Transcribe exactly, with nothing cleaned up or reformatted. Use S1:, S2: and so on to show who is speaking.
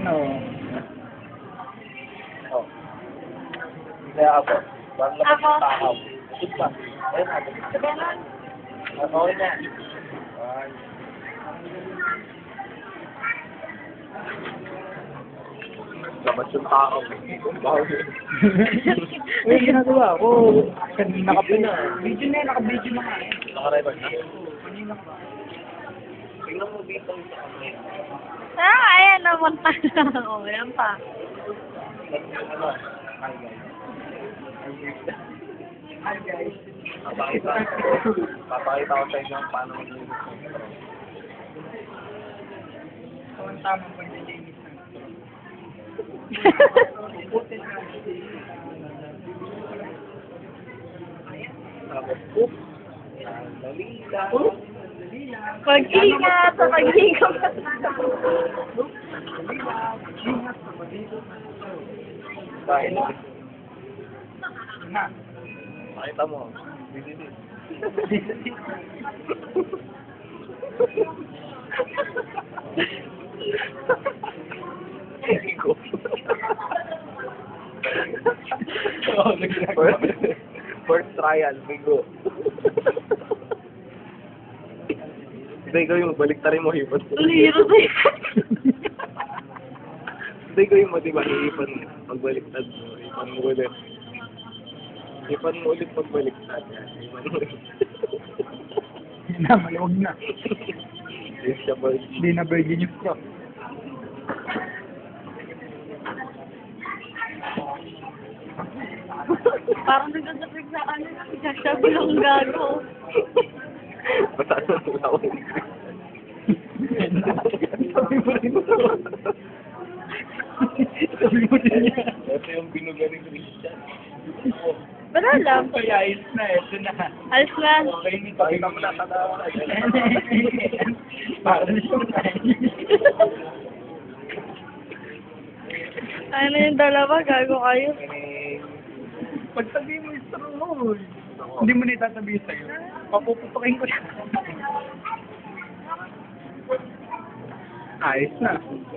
S1: No.
S2: Oh. Kaya ako. Bang labas
S3: Ako?
S2: ng takaw. Ito pa. Ayun ako.
S3: Ganon.
S2: Okay na. Ay. Labas yung takaw. Bawal.
S1: Uy, ginagawa ko. Kanina ka pa na. Video na yun, naka-video na nga eh.
S2: Nakarecord na?
S1: Kanina ka.
S2: Tingnan mo dito sa kamay.
S3: Ah, ayan naman pala. O, yan pa.
S2: Ano? Hi guys.
S1: Hi guys.
S2: Papakita. Papakita ko sa inyo kung paano maglinis ng straw.
S1: Ito ang tamang paglilinis ng straw. Putin na.
S2: Tapos, oop. Dali lang.
S1: Dali lang.
S3: Pag-ingat sa pag-ingat.
S1: Dali lang. Ingat sa pag-ingat ng straw.
S2: Dahil,
S1: Na.
S2: makita mo. Dito din. Bigo. First- First trial, bigo. Hindi ko yung baliktarin mo, hipon.
S3: Liro sa
S2: Hindi ko yung mo, diba, hipon mo. Pagbaliktad mo, hipon mo ulit. Hipon mo ulit pagbaliktad. Hipon mo ulit.
S1: Hindi na, maluwag na.
S2: Yes, siya ba?
S1: Hindi na virgin yung straw.
S3: Parang nagdadapig sa ano. Sasabi lang gago.
S2: Basta ano nila ako.
S1: Sabi mo rin. Sabi mo rin yan.
S2: Ito yung binuga ni Christian.
S3: Wala lang.
S1: Kaya ayos na, ito na.
S3: Alis na.
S1: Okay, hindi pa
S2: Pakita mo na katawa na.
S1: Para na siyang
S3: Ano yung dalawa? Gago kayo.
S1: Pagsabihin mo yung straw mo. Hindi mo na itatabihin sa'yo. Papuputukin ko siya. Ayos na.